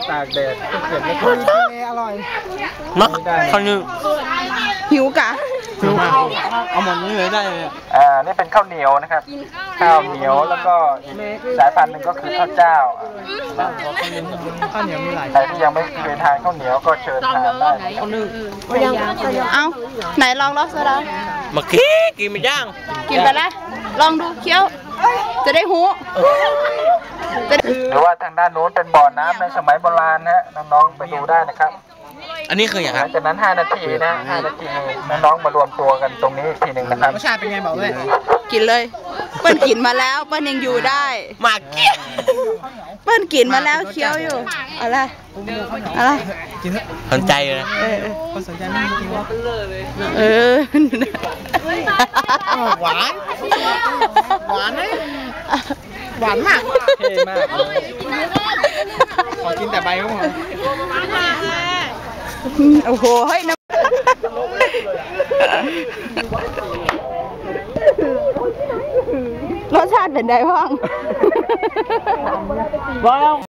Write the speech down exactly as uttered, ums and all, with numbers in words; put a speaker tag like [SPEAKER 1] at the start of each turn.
[SPEAKER 1] ตากแดดเก็บไม่ค่อยอร่อย
[SPEAKER 2] เนาะข้าวนึ่ง
[SPEAKER 3] หิวกะ
[SPEAKER 1] หิวเอาหมดนี้เลยได้เลย
[SPEAKER 4] อ่านี่เป็นข้าวเหนียวนะครับข้าวเหนียวแล้วก็อีกสายพันธุ์หนึ่งก็คือข้าวเจ้า
[SPEAKER 1] ข้าวเหนียวมีหลาย
[SPEAKER 4] ใครที่ยังไม่เคยทานข้าวเหนียวก็เชิญทานได้ข้าวนึ่ง
[SPEAKER 3] เอาไหนลองรสซะ
[SPEAKER 2] เมื่อกี้กินไม่ย่าง
[SPEAKER 3] กินไปแล้วลองดูเคี้ยวจะได้หู
[SPEAKER 4] หรือว่าทางด้านโน้นเป็นบ่อน้ำในสมัยโบราณนะน้องๆไปดูได้นะครับ
[SPEAKER 2] อันนี้คืออย่างไร
[SPEAKER 4] จากนั้นห้านาทีนะห้านาทีน้องๆมารวมตัวกันตรงนี้ทีหนึ่งนะครับ
[SPEAKER 1] รสชาติเป็นไงบอกเลย
[SPEAKER 3] กินเลยเปิ้ลกินมาแล้วเปิ้ลยังอยู่ได้
[SPEAKER 2] มาเกี้ย
[SPEAKER 3] เปิ้ลกินมาแล้วเคี้ยวอยู่อะไรอะไร
[SPEAKER 2] สนใจเลย
[SPEAKER 3] เออ
[SPEAKER 1] คนสนใจไม่กินว่า
[SPEAKER 3] เออ
[SPEAKER 1] หวานหวานไหมหวานมากเท่มากขอกินแต่ใบก็พอ
[SPEAKER 3] โอ้โหเฮ้ยนะรสชาติเป็นไงบ้าง